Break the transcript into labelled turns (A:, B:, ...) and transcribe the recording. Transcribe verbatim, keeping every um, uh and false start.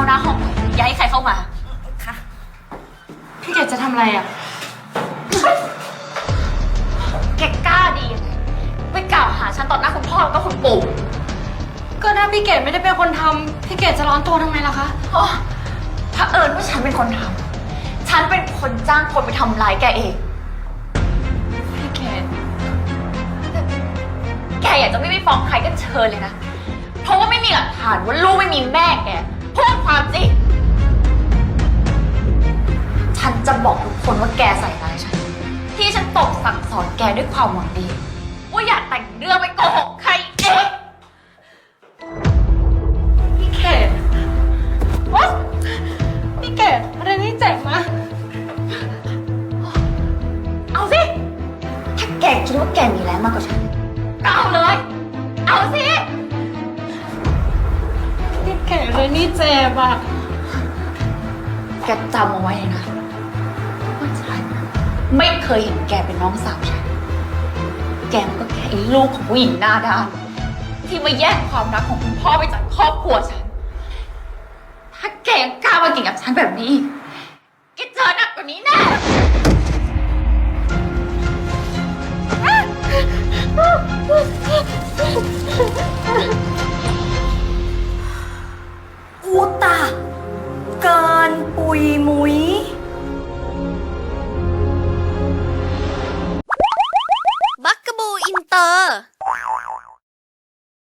A: หน้าห้องไว้อย่าให้ใครเข้ามาค่ะ
B: พี่เกดจะทำอะไรอ่ะ
A: แกกล้าดียังไงไปกล่าวหาฉันต่อหน้าคุณพ่อแล้วก็คุณปู่
B: ก็ถ้าพี่เกดไม่ได้เป็นคนทำพี่เกดจะร้อนตัวทำไมล่ะคะ
A: โอ้ถ้าเอิญว่าฉันเป็นคนทำฉันเป็นคนจ้างคนไปทำร้ายแกเอง
B: พี่เกด
A: แกอยากจะไม่ไปฟ้องใครก็เชิญเลยนะ เพราะว่าไม่มีหลักฐานว่าลูกไม่มีแม่แกพูดความจริง ฉันจะบอกทุกคนว่าแกใส่ร้ายฉัน ที่ฉันตบสั่งสอนแกด้วยความหวังดี ว่าอย่าแต่งเรื่องไปโกหกใครเอง
B: พี่เกดวะพี่เกดอะไรนี่เจ็บมะ
A: เอาสิ ถ้าแกคิดว่าแกมีแรงมากกว่าฉันก็เอาเลย เอาสิ
B: พี่เกดอะไรนี่เจ็บอ่ะ
A: แกจำเอาไว้เลยนะว่าฉันไม่เคยเห็นแกเป็นน้องสาวฉัน แกมันก็แค่ไอ้ลูกของผู้หญิงหน้าด้านที่มาแย่งความรักของคุณพ่อไปจากครอบครัวฉัน ถ้าแกยังกล้ามาเก่งกับฉันแบบนี้แกเจอหนักกว่านี้แน่
C: อูตาเกินปุยมุย